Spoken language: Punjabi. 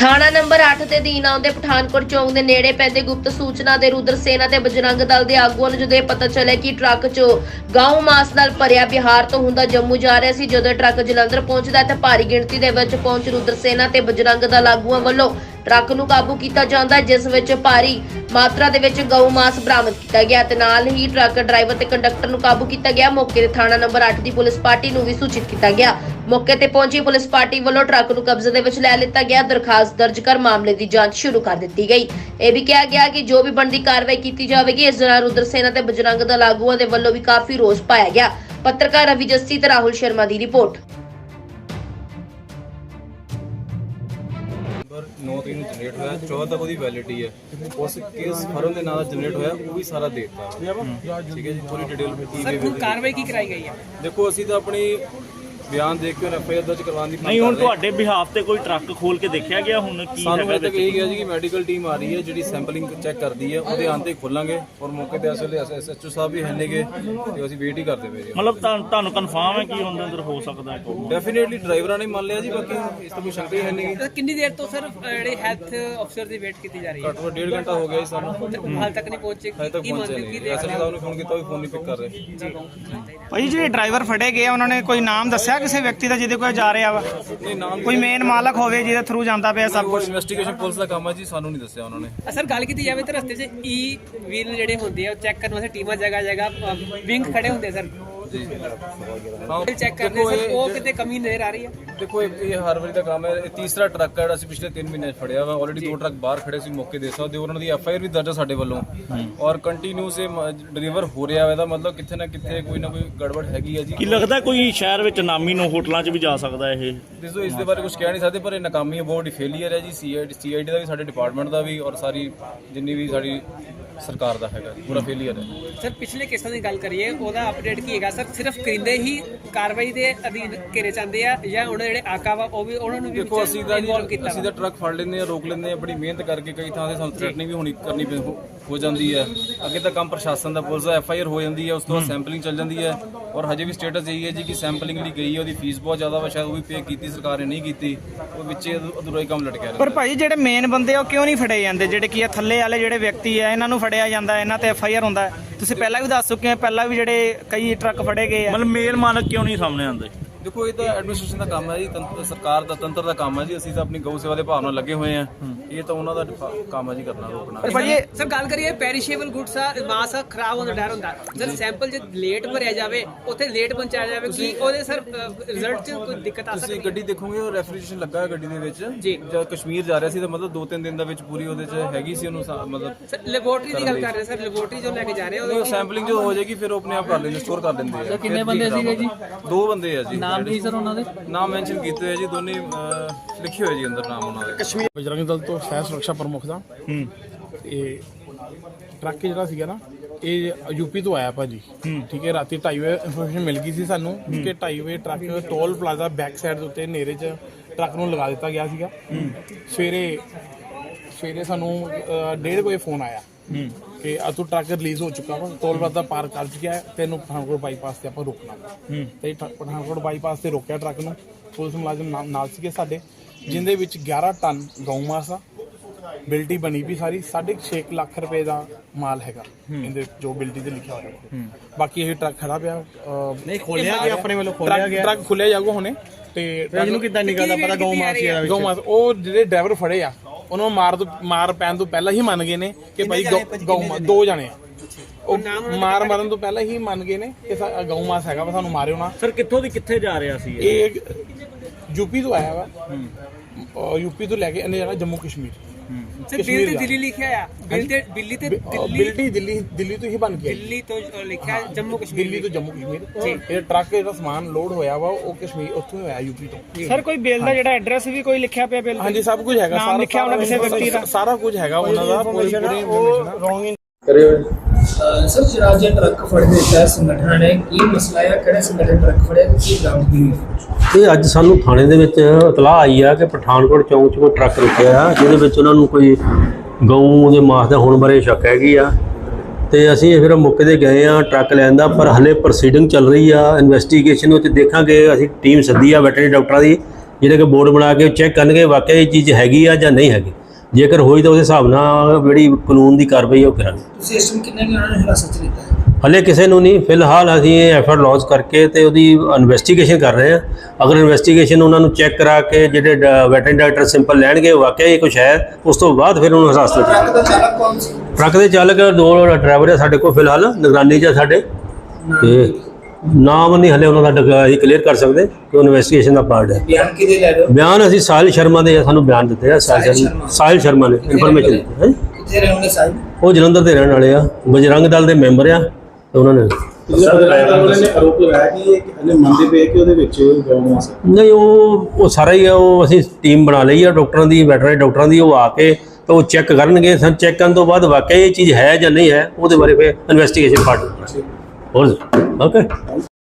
ਥਾਣਾ ਨੰਬਰ 8 ਦੇ ਅਧੀਨ ਆਉਂਦੇ ਪਠਾਨਕੋਟ ਚੌਂਕ ਦੇ ਨੇੜੇ ਪੈਂਦੇ ਗੁਪਤ ਸੂਚਨਾ ਦੇ ਰੁਦਰ ਸੇਨਾ ਤੇ ਬਜਰੰਗ ਦਲ ਦੇ ਆਗੂਆਂ ਨੂੰ ਜਦੋਂ ਇਹ ਪਤਾ ਚੱਲਿਆ ਕਿ ਟਰੱਕ 'ਚ ਗਊ ਮਾਸ ਨਾਲ ਭਰਿਆ ਬਿਹਾਰ ਤੋਂ ਹੁੰਦਾ ਜੰਮੂ ਜਾ ਰਿਹਾ ਸੀ। ਜਦੋਂ ਟਰੱਕ ਜਲੰਧਰ ਪਹੁੰਚਦਾ ਤਾਂ ਭਾਰੀ ਗਿਣਤੀ ਦੇ ਵਿੱਚ ਪਹੁੰਚ ਰੁਦਰ ਸੇਨਾ ਤੇ ਬਜਰੰਗ ਦਲ ਆਗੂਆਂ ਵੱਲੋਂ ਟਰੱਕ ਨੂੰ ਕਾਬੂ ਕੀਤਾ ਜਾਂਦਾ, ਜਿਸ ਵਿੱਚ ਭਾਰੀ ਮਾਤਰਾ ਦੇ ਵਿੱਚ ਗਊ ਮਾਸ ਬਰਾਮਦ ਕੀਤਾ ਗਿਆ ਤੇ ਨਾਲ ਹੀ ਟਰੱਕ ਡਰਾਈਵਰ ਤੇ ਕੰਡਕਟਰ ਨੂੰ ਕਾਬੂ ਕੀਤਾ ਗਿਆ। ਮੌਕੇ ਤੇ ਥਾਣਾ ਨੰਬਰ 8 ਦੀ ਪੁਲਿਸ ਪਾਰਟੀ ਨੂੰ ਵੀ ਸੂਚਿਤ ਕੀਤਾ ਗਿਆ। ਮੌਕੇ ਤੇ ਪਹੁੰਚੀ ਪੁਲਿਸ ਪਾਰਟੀ ਵੱਲੋਂ ਟਰੱਕ ਨੂੰ ਕਬਜ਼ੇ ਦੇ ਵਿੱਚ ਲੈ ਲਿੱਤਾ ਗਿਆ। ਦਰਖਾਸਤ ਦਰਜ ਕਰ ਮਾਮਲੇ ਦੀ ਜਾਂਚ ਸ਼ੁਰੂ ਕਰ ਦਿੱਤੀ ਗਈ। ਇਹ ਵੀ ਕਿਹਾ ਗਿਆ ਕਿ ਜੋ ਵੀ ਬਣਦੀ ਕਾਰਵਾਈ ਕੀਤੀ ਜਾਵੇਗੀ। ਇਸ ਦੌਰਾਨ ਰੁਦਰ ਸੇਨਾ ਤੇ ਬਜਰੰਗ ਦਲ ਆਗੂਆਂ ਦੇ ਵੱਲੋਂ ਵੀ ਕਾਫੀ ਰੋਸ ਪਾਇਆ ਗਿਆ। ਪੱਤਰਕਾਰ ਰਵੀ ਜੱਸੀ ਤੇ ਰਾਹੁਲ ਸ਼ਰਮਾ ਦੀ ਰਿਪੋਰਟ। 9 ਤਰੀਕ ਨੂੰ ਜਨਰੇਟ ਹੋਇਆ, 14 ਤੱਕ ਉਹਦੀ ਵੈਲਿਡਿਟੀ ਹੈ। ਉਸ ਕੇਸ ਫਰਮ ਦੇ ਨਾਲ ਜਨਰੇਟ ਹੋਇਆ ਉਹ ਵੀ ਸਾਰਾ ਦੇ ਦਿੱਤਾ। ਠੀਕ ਹੈ ਜੀ, ਪੂਰੀ ਡਿਟੇਲ ਸਰ ਹੁਣ ਕਾਰਵਾਈ ਕੀ ਕਰਾਈ ਗਈ ਹੈ? ਦੇਖੋ ਅਸੀਂ ਤਾਂ ਆਪਣੀ ਬਿਆਨ ਦੇਖ ਕੇ ਐਫਆਈਆਰ ਦਰਜ ਕਰਵਾਉਣ ਦੀ ਨਹੀਂ। ਹੁਣ ਤੁਹਾਡੇ ਬਿਹਾਫ ਤੇ ਕੋਈ ਟਰੱਕ ਖੋਲ ਕੇ ਦੇਖਿਆ ਗਿਆ? ਹੁਣ ਕੀ ਸਾਨੂੰ ਹਜੇ ਤੱਕ ਇਹ ਗਿਆ ਜੀ ਕਿ ਮੈਡੀਕਲ ਟੀਮ ਆ ਰਹੀ ਹੈ ਜਿਹੜੀ ਸੈਂਪਲਿੰਗ ਚੈੱਕ ਕਰਦੀ ਹੈ, ਉਹਦੇ ਆਉਣ ਤੇ ਖੋਲਾਂਗੇ। ਔਰ ਮੌਕੇ ਤੇ ਅਸਲ ਐਸਐਚਓ ਸਾਹਿਬ ਵੀ ਹੈਨੇਗੇ ਤੇ ਅਸੀਂ ਵੇਟ ਹੀ ਕਰਦੇ ਪਏ ਜੀ। ਮਤਲਬ ਤੁਹਾਨੂੰ ਕਨਫਰਮ ਹੈ ਕਿ ਉਹਦੇ ਅੰਦਰ ਹੋ ਸਕਦਾ ਹੈ? ਡੈਫੀਨੇਟਲੀ ਡਰਾਈਵਰਾਂ ਨੇ ਮੰਨ ਲਿਆ ਜੀ, ਬਾਕੀ ਇਸ ਤੋਂ ਕੋਈ ਸ਼ੰਕਾ ਹੀ ਹੈ ਨਹੀਂ। ਕਿੰਨੀ ਦੇਰ ਤੋਂ ਸਰ ਜਿਹੜੇ ਹੈਲਥ ਅਫਸਰ ਦੀ ਵੇਟ ਕੀਤੀ ਜਾ ਰਹੀ ਹੈ? ਘੱਟੋ ਘੱਟ 1.5 ਘੰਟਾ ਹੋ ਗਿਆ ਜੀ ਸਾਨੂੰ, ਹਾਲ ਤੱਕ ਨਹੀਂ ਪਹੁੰਚੇ। ਹਜੇ ਤੱਕ ਪਹੁੰਚੇ ਨਹੀਂ। ਐਸਐਚਓ ਸਾਹਿਬ ਨੂੰ ਫੋਨ ਕੀਤਾ ਵੀ ਫੋਨ ਨਹੀਂ ਪਿਕ ਕਰ ਰਹੇ। ਭਾਈ ਜਿਹੜੇ ਡਰਾਈਵਰ ਫੜੇ ਗਏ ਉਹਨਾਂ ਨੇ ਕੋਈ ਨਾਮ ਦੱਸਿਆ ਕਿਸੇ ਵਿਅਕਤੀ ਦਾ ਜਿਹਦੇ ਕੋਲ ਜਾ ਰਿਹਾ ਵਾ? ਨਹੀਂ, ਨਾਮ ਕੋਈ ਮੇਨ ਮਾਲਕ ਹੋਵੇ ਜਿਹਦੇ ਥਰੂ ਜਾਂਦਾ ਪਿਆ ਸਭ ਕੁਝ? ਇਨਵੈਸਟੀਗੇਸ਼ਨ ਪੁਲਿਸ ਦਾ ਕੰਮ ਹੈ ਜੀ, ਸਾਨੂੰ ਨਹੀਂ ਦੱਸਿਆ ਉਹਨਾਂ ਨੇ। ਸਰ ਗੱਲ ਕੀਤੀ ਜਾਵੇ ਤਾਂ ਰਸਤੇ 'ਚ ਈ ਵੀਲ ਜਿਹੜੇ ਹੁੰਦੇ ਆ ਉਹ ਚੈੱਕ ਕਰਨ ਵਾਸਤੇ ਟੀਮਾਂ ਜਗ੍ਹਾ ਵਿੰਗ ਖੜੇ ਹੁੰਦੇ ਸਰ ਚੈੱਕ ਕਰਦੇ ਸਰ, ਉਹ ਕਿਤੇ ਕਮੀ ਨਜ਼ਰ ਆ ਰਹੀ ਹੈ? ਦੇਖੋ ਇਹ ਹਰ ਵਾਰੀ ਦਾ ਕੰਮ ਹੈ। ਇਹ ਤੀਸਰਾ ਟਰੱਕ ਹੈ ਜਿਹੜਾ ਅਸੀਂ ਪਿਛਲੇ 3 ਮਹੀਨੇ 'ਚ ਫੜਿਆ ਵਾ। ਆਲਰੇਡੀ 2 ਟਰੱਕ ਬਾਹਰ ਖੜੇ ਸੀ, ਮੌਕੇ ਦੇ ਸਕਦੇ ਹੋ। ਉਹਨਾਂ ਦੀ ਐਫਆਈਆਰ ਵੀ ਦਰਜ ਹੈ ਸਾਡੇ ਵੱਲੋਂ ਔਰ ਕੰਟੀਨਿਊਸ ਇਹ ਡਿਲੀਵਰ ਹੋ ਰਿਹਾ ਹੈ। ਇਹਦਾ ਮਤਲਬ ਕਿੱਥੇ ਨਾ ਕਿੱਥੇ ਕੋਈ ਨਾ ਕੋਈ ਗੜਬੜ ਹੈਗੀ ਹੈ ਜੀ। ਕੀ ਲੱਗਦਾ ਕੋਈ ਸ਼ਹਿਰ ਵਿੱਚ ਨਾਮੀ ਨੂੰ ਹੋਟਲਾਂ 'ਚ ਵੀ ਜਾ ਸਕਦਾ ਇਹ? ਦੇਖੋ ਇਸ ਦੇ ਬਾਰੇ ਕੁਝ ਕਹਿ ਨਹੀਂ ਸਕਦੇ, ਪਰ ਇਹ ਨਾਕਾਮੀ ਹੈ, ਬਹੁਤ ਫੇਲੀਅਰ ਹੈ ਜੀ। ਸੀਆਈਡੀ ਦਾ ਵੀ, ਸਾਡੇ ਡਿਪਾਰਟਮੈਂਟ ਦਾ ਵੀ ਔਰ ਸਾਰੀ ਜਿੰਨੀ ਵੀ ਸਾਡੀ ਸਰਕਾਰ ਦਾ ਹੈਗਾ ਪੂਰਾ ਫੇਲੀਅਰ ਹੈ। ਸਰ ਪਿਛਲੇ ਕੇਸਾਂ ਦੀ ਗੱਲ ਕਰੀਏ, ਉਹਦਾ ਅਪਡੇਟ ਕੀ ਹੈਗਾ ਸਰ? ਸਿਰਫ ਕਰਿੰਦੇ ਹੀ ਕਾਰਵਾਈ ਦੇ ਅਧੀਨ ਘੇਰੇ ਜਾਂਦੇ ਆ ਜਾਂ ਉਹਨਾਂ ਜਿਹੜੇ ਆਕਾ ਵਾ ਉਹ ਵੀ ਉਹਨਾਂ ਨੂੰ ਵੀ ਦੇਖੋ ਅਸੀਂ ਤਾਂ ਟਰੱਕ ਫੜ ਲੈਂਦੇ ਆ, ਰੋਕ ਲੈਂਦੇ ਆ, ਬੜੀ ਮਿਹਨਤ ਕਰਕੇ। ਕਈ ਥਾਂ ਤੇ ਸਾਨੂੰ ਥ੍ਰੈਟਨਿੰਗ ਵੀ ਕਰਨੀ ਹੋ ਜਾਂਦੀ ਹੈ। ਅੱਗੇ ਤਾਂ ਕੰਮ ਪ੍ਰਸ਼ਾਸਨ ਦਾ, ਪੁਲਿਸ ਦਾ, ਐਫਆਈਆਰ ਹੋ ਜਾਂਦੀ ਹੈ, ਉਸ ਤੋਂ ਬਾਅਦ ਸੈਂਪਲਿੰਗ ਚੱਲ ਜਾਂਦੀ ਹੈ। ਔਰ ਹਜੇ ਵੀ ਸਟੇਟਸ ਇਹੀ ਹੈ ਜੀ ਕਿ ਸੈਂਪਲਿੰਗ ਲਈ ਗਈ ਹੈ, ਉਹਦੀ ਫੀਸ ਬਹੁਤ ਜ਼ਿਆਦਾ ਵਾ, ਸ਼ਾਇਦ ਉਹ ਵੀ ਪੇ ਕੀਤੀ ਸਰਕਾਰ ਨੇ ਨਹੀਂ ਕੀਤੀ, ਉਹ ਵਿੱਚ ਅਧੂਰਾ ਹੀ ਕੰਮ ਲਟਕਿਆ ਰਿਹਾ। ਪਰ ਭਾਈ ਜਿਹੜੇ ਮੇਨ ਬੰਦੇ ਆ ਉਹ ਕਿਉਂ ਨਹੀਂ ਫੜੇ ਜਾਂਦੇ? ਜਿਹੜੇ ਕੀ ਆ ਥੱਲੇ ਵਾਲੇ ਜਿਹੜੇ ਵਿਅਕਤੀ ਆ ਇਹਨਾਂ ਨੂੰ ਫੜਿਆ ਜਾਂਦਾ, ਇਹਨਾਂ ਤੇ ਐਫਆਈਆਰ ਹੁੰਦਾ। ਤੁਸੀਂ ਪਹਿਲਾਂ ਵੀ ਦੱਸ ਚੁੱਕੇ ਆ, ਪਹਿਲਾਂ ਵੀ ਜਿਹੜੇ ਕਈ ਟਰੱਕ ਫੜੇ ਗਏ ਆ। ਮਤਲਬ ਮੇਲ ਮਾਲਕ ਕਿਉਂ ਨਹੀਂ ਸਾਹਮਣੇ ਆਉਂਦੇ? ਦੇਖੋ ਇਹ ਤਾਂ ਐਡਮਿਨਿਸਟ੍ਰੇਸ਼ਨ ਦਾ ਕੰਮ ਹੈ ਜੀ, ਸਰਕਾਰ ਦਾ, ਤੰਤਰ ਦਾ ਕੰਮ ਹੈ ਜੀ। ਅਸੀਂ ਤਾਂ ਆਪਣੀ ਗਊ ਸੇਵਾ ਦੇ ਭਾਵ ਨਾਲ ਲੱਗੇ ਹੋਏ ਆ। ਇਹ ਤਾਂ ਉਹਨਾਂ ਦਾ ਕੰਮ ਹੈ ਜੀ ਕਰਨਾ, ਰੋਕਣਾ। ਪਰ ਭਾਈ ਸਰ ਗੱਲ ਕਰੀਏ ਪੈਰੀਸ਼ੇਬਲ ਗੁੱਡਸ ਆ, ਮਾਸ ਖਰਾਬ ਹੋਣ ਦਾ ਡਰ ਹੁੰਦਾ ਸਰ। ਸੈਂਪਲ ਜੇ ਲੇਟ ਭਰਿਆ ਜਾਵੇ, ਉੱਥੇ ਲੇਟ ਪਹੁੰਚਾਇਆ ਜਾਵੇ, ਕੀ ਉਹਦੇ ਸਰ ਰਿਜ਼ਲਟ 'ਚ ਕੋਈ ਦਿੱਕਤ ਆ ਸਕਦੀ? ਤੁਸੀਂ ਗੱਡੀ ਦੇਖੋਗੇ ਉਹ ਰੈਫ੍ਰਿਜਰੇਸ਼ਨ ਲੱਗਾ ਹੈ ਗੱਡੀ ਦੇ ਵਿੱਚ ਜੀ। ਜਦ ਕਸ਼ਮੀਰ ਜਾ ਰਿਹਾ ਸੀ ਤਾਂ ਮਤਲਬ 2-3 ਦਿਨ ਦਾ ਵਿੱਚ ਪੂਰੀ ਉਹਦੇ 'ਚ ਹੈਗੀ ਸੀ ਉਹਨੂੰ ਮਤਲਬ। ਸਰ ਲੈਬੋਰਟਰੀ ਦੀ ਗੱਲ ਕਰ ਰਹੇ ਸਰ, ਲੈਬੋਰਟਰੀ ਜੋ ਲੈ ਕੇ ਜਾ ਰਹੇ ਉਹ ਸੈਂਪਲਿੰਗ ਜੋ ਹੋ ਜਾਏਗੀ ਫਿਰ ਉਹ ਆਪਣੇ ਆਪ ਕਰ ਲੈਂਦੇ, ਸਟੋਰ ਕਰ ਲੈਂਦੇ ਆ। ਕਿੰਨੇ ਬੰਦੇ ਸੀਗੇ ਜੀ? 2 ਬੰਦੇ ਆ ਜੀ। ਨਾਮ ਕੀ ਸਰ ਉਹਨਾਂ ਦੇ? ਨਾਮ ਮੈਂਸ਼ਨ ਕੀਤੇ ਹੋਏ ਜੀ, ਦੋਨੇ ਲਿਖੇ ਹੋਏ ਜੀ ਅੰਦਰ ਨਾਮ ਉਹਨਾਂ ਦੇ। ਕਸ਼ਮੀਰ ਬਜਰੰਗ ਦਲ ਤੋਂ ਸ਼ਹਿਰ ਸੁਰੱਖਿਆ ਪ੍ਰਮੁੱਖ ਦਾ ਇਹ ਟਰੱਕ ਜਿਹੜਾ ਸੀਗਾ ਨਾ, ਇਹ ਯੂਪੀ ਤੋਂ ਆਇਆ ਭਾਜੀ। ਠੀਕ ਹੈ, ਰਾਤੀ 2:30 ਵਜੇ ਇਨਫੋਰਮੇਸ਼ਨ ਮਿਲ ਗਈ ਸੀ ਸਾਨੂੰ ਕਿ 2:30 ਵਜੇ truck toll plaza back side ਦੇ ਉੱਤੇ ਹਨੇਰੇ 'ਚ ਟਰੱਕ ਨੂੰ ਲਗਾ ਦਿੱਤਾ ਗਿਆ ਸੀਗਾ। ਸਵੇਰੇ ਸਾਨੂੰ 1:30 ਵਜੇ ਫੋਨ ਆਇਆ ਕਿ ਆ ਤੂੰ ਟਰੱਕ ਰਿਲੀਜ਼ ਹੋ ਚੁੱਕਾ ਵਾ, ਟੋਲ ਪਲਾਜ਼ਾ ਪਾਰ ਕਰ ਚੁੱਕਿਆ ਹੈ, ਤੈਨੂੰ ਪਠਾਨਕੋਟ ਬਾਈਪਾਸ ਤੇ ਆਪਾਂ ਰੋਕਣਾ। ਤੇ ਪਠਾਨਕੋਟ ਬਾਈਪਾਸ ਤੇ ਰੋਕਿਆ ਟਰੱਕ ਨੂੰ। ਪੁਲਿਸ ਮੁਲਾਜ਼ਮ ਨਾਲ ਸੀਗੇ ਸਾਡੇ, ਜਿੰਦੇ ਵਿੱਚ 11 ਟਨ ਗਊ ਮਾਸ ਆ। ਬਿਲਟੀ ਬਣੀ ਵੀ ਸਾਰੀ 6.5 ਲੱਖ ਰੁਪਏ ਦਾ ਮਾਲ ਹੈਗਾ ਇਹਦੇ, ਜੋ ਬਿਲਟੀ ਤੇ ਲਿਖਿਆ ਹੋਇਆ। ਬਾਕੀ ਇਹ ਟਰੱਕ ਖੜਾ ਪਿਆ, ਨਹੀਂ ਖੋਲਿਆ ਗਿਆ ਆਪਣੇ ਵੱਲੋਂ, ਖੋਲਿਆ ਗਿਆ। ਟਰੱਕ ਖੁੱਲਿਆ ਜਾਊਗਾ ਹੁਣੇ। ਤੇ ਇਹਨੂੰ ਕਿੱਦਾਂ ਨਿਕਲਦਾ ਪਤਾ ਗਊ ਮਾਸ? ਉਹ ਜਿਹੜੇ ਡਰਾਈਵਰ ਫੜੇ ਆ ਉਹਨਾਂ ਨੂੰ ਮਾਰ ਪੈਣ ਤੋਂ ਪਹਿਲਾਂ ਹੀ ਮੰਨ ਗਏ ਨੇ ਕਿ ਭਾਈ ਗਊ 2 ਜਣੇ ਆ। ਉਹ ਮਾਰਨ ਤੋਂ ਪਹਿਲਾਂ ਹੀ ਮੰਨ ਗਏ ਨੇ ਕਿ ਗਊ ਮਾਸ ਹੈਗਾ ਵਾ, ਸਾਨੂੰ ਮਾਰਿਓ ਨਾ। ਸਰ ਕਿੱਥੋਂ ਦੀ ਕਿੱਥੇ ਜਾ ਰਿਹਾ ਸੀ ਇਹ? ਯੂਪੀ ਤੋਂ ਆਇਆ ਵਾ, ਯੂਪੀ ਤੋਂ ਲੈ ਕੇ ਇਹਨੇ ਜਾਣਾ ਜੰਮੂ ਕਸ਼ਮੀਰ। ਬਿੱਲ ਤੇ ਦਿੱਲੀ ਲਿਖਿਆ ਆ, ਬਿੱਲੀ ਦਿੱਲੀ ਤੋਂ ਹੀ ਬਣ ਕੇ ਦਿੱਲੀ ਤੋਂ ਲਿਖਿਆ ਜੰਮੂ ਕਸ਼ਮੀਰ, ਦਿੱਲੀ ਤੋਂ ਜੰਮੂ ਕਸ਼ਮੀਰ। ਇਹ ਟਰੱਕ ਜਿਹੜਾ ਸਮਾਨ ਲੋਡ ਹੋਇਆ ਵਾ ਉਹ ਕਸ਼ਮੀਰ ਉੱਥੋਂ ਹੀ ਹੋਇਆ, ਯੂਪੀ ਤੋਂ। ਸਰ ਕੋਈ ਬਿੱਲ ਦਾ ਜਿਹੜਾ ਐਡਰੈਸ ਵੀ ਕੋਈ ਲਿਖਿਆ ਪਿਆ ਬਿੱਲ? ਹਾਂਜੀ, ਸਭ ਕੁਝ ਹੈਗਾ, ਨਾਮ ਲਿਖਿਆ ਉਹਨਾਂ ਕਿਸੇ ਵਿਅਕਤੀ ਦਾ, ਸਾਰਾ ਕੁਝ ਹੈਗਾ ਉਹਨਾਂ ਦਾ। ਪੂਰੀ सर राज्य ट्रक फड़ने का संगठन है की मसला है, किहड़े संगठन ट्रक फड़े की बरामदगी हुई? ਇਹ ਅੱਜ ਸਾਨੂੰ ਥਾਣੇ ਦੇ ਵਿੱਚ ਇਤਲਾਹ ਆਈ ਆ ਕਿ ਪਠਾਨਕੋਟ ਚੌਂਕ 'ਚ ਕੋਈ ਟਰੱਕ ਰੁਕਿਆ ਆ, ਜਿਹਦੇ ਵਿੱਚ ਉਹਨਾਂ ਨੂੰ ਕੋਈ ਗਊ ਦੇ ਮਾਸ ਦਾ ਹੋਣ ਬਾਰੇ ਸ਼ੱਕ ਹੈਗੀ ਆ। ਤੇ ਅਸੀਂ ਫਿਰ ਮੌਕੇ 'ਤੇ ਗਏ ਆ ਟਰੱਕ ਲੈਣ ਦਾ, ਪਰ ਹਲੇ ਪ੍ਰੋਸੀਡਿੰਗ ਚੱਲ ਰਹੀ ਆ ਇਨਵੈਸਟੀਗੇਸ਼ਨ ਵਿੱਚ। ਦੇਖਾਂਗੇ, ਅਸੀਂ ਟੀਮ ਸੱਦੀ ਆ ਵੈਟਰਨਰੀ ਡਾਕਟਰਾਂ ਦੀ, ਜਿਹੜੇ ਕਿ ਬੋਰਡ ਬਣਾ ਕੇ ਚੈੱਕ ਕਰਨਗੇ ਵਾਕਿਆ ਇਹ ਚੀਜ਼ ਹੈਗੀ ਆ ਜਾਂ ਨਹੀਂ ਹੈਗੀ। ਜੇਕਰ ਹੋਈ ਤਾਂ ਉਸ ਹਿਸਾਬ ਨਾਲ ਜਿਹੜੀ ਕਾਨੂੰਨ ਦੀ ਕਾਰਵਾਈ ਉਹ ਕਰਾਂਗੇ। ਤੁਸੀਂ ਇਸ ਟਾਈਮ ਕਿੰਨੇ ਉਹਨਾਂ ਨੇ ਹਿਰਾਸਤ 'ਚ ਲਿੱਤਾ ਹੈ? ਹਲੇ ਕਿਸੇ ਨੂੰ ਨਹੀਂ, ਫਿਲਹਾਲ ਅਸੀਂ ਇਹ ਐਫਰਟ ਲਾਂਚ ਕਰਕੇ ਤੇ ਉਹਦੀ ਇਨਵੈਸਟੀਗੇਸ਼ਨ ਕਰ ਰਹੇ ਹਾਂ। ਅਗਰ ਇਨਵੈਸਟੀਗੇਸ਼ਨ ਉਹਨਾਂ ਨੂੰ ਚੈੱਕ ਕਰਾ ਕੇ ਜਿਹੜੇ ਵੈਟਰਨਰੀ ਡਾਕਟਰ ਸਿੰਪਲ ਲੈਣਗੇ ਵਾਕਿਆ ਇਹ ਕੁਝ ਹੈ, ਉਸ ਤੋਂ ਬਾਅਦ ਫਿਰ ਉਹਨੂੰ ਹਿਰਾਸਤ ਵਿੱਚ ਟਰੱਕ ਦਾ ਚਾਲਕ ਕੌਣ ਸੀ? ਟਰੱਕ ਦੇ ਚਾਲਕ 2 ਡਰਾਈਵਰ ਹੈ ਸਾਡੇ ਕੋਲ ਫਿਲਹਾਲ ਨਿਗਰਾਨੀ 'ਚ ਸਾਡੇ, ਤੇ ਨਾਮ ਨਹੀਂ ਹਲੇ ਉਹਨਾਂ ਦਾ ਅਸੀਂ ਕਲੀਅਰ ਕਰ ਸਕਦੇ ਕਿ ਉਹ ਇਨਵੈਸਟੀਗੇਸ਼ਨ ਦਾ ਪਾਰਟ ਹੈ। ਬਿਆਨ ਕਿਹਦੇ ਲੈ ਰਹੇ ਹੋ? ਬਿਆਨ ਅਸੀਂ ਸਾਹਿਲ ਸ਼ਰਮਾ ਦੇ ਸਾਨੂੰ ਬਿਆਨ ਦਿੱਤੇ ਆ। ਸਾਹਿਲ ਸ਼ਰਮਾ ਨੇ ਇਨਫੋਰਮੇਸ਼ਨ ਦਿੱਤੀ ਹੈ। ਕਿੱਥੇ ਰਹਿੰਦੇ ਸਾਹਿਬ? ਉਹ ਜਲੰਧਰ ਦੇ ਰਹਿਣ ਵਾਲੇ ਆ, ਬਜਰੰਗ ਦਲ ਦੇ ਮੈਂਬਰ ਆ ਤੇ ਉਹਨਾਂ ਨੇ ਆਰੋਪ ਲਗਾਇਆ ਕਿ ਇਹ ਹਲੇ ਮੰਨਦੇ ਪਏ ਕਿ ਉਹਦੇ ਵਿੱਚ ਗਊ ਮਾਸ ਹੈ। ਨਹੀਂ, ਉਹ ਸਾਰਾ ਹੀ ਆ, ਉਹ ਅਸੀਂ ਟੀਮ ਬਣਾ ਲਈ ਆ ਡਾਕਟਰਾਂ ਦੀ, ਵੈਟਰਨਰੀ ਡਾਕਟਰਾਂ ਦੀ। ਉਹ ਆ ਕੇ ਤਾਂ ਉਹ ਚੈੱਕ ਕਰਨਗੇ। ਸਾਨੂੰ ਚੈੱਕ ਕਰਨ ਤੋਂ ਬਾਅਦ ਵਾਕਿਆ ਇਹ ਚੀਜ਼ ਹੈ ਜਾਂ ਨਹੀਂ ਹੈ ਉਹਦੇ ਬਾਰੇ ਫਿਰ ਇਨਵੈਸਟੀਗੇਸ਼ਨ ਪਾਰਟ ਹੋਰ ਓਕੇ।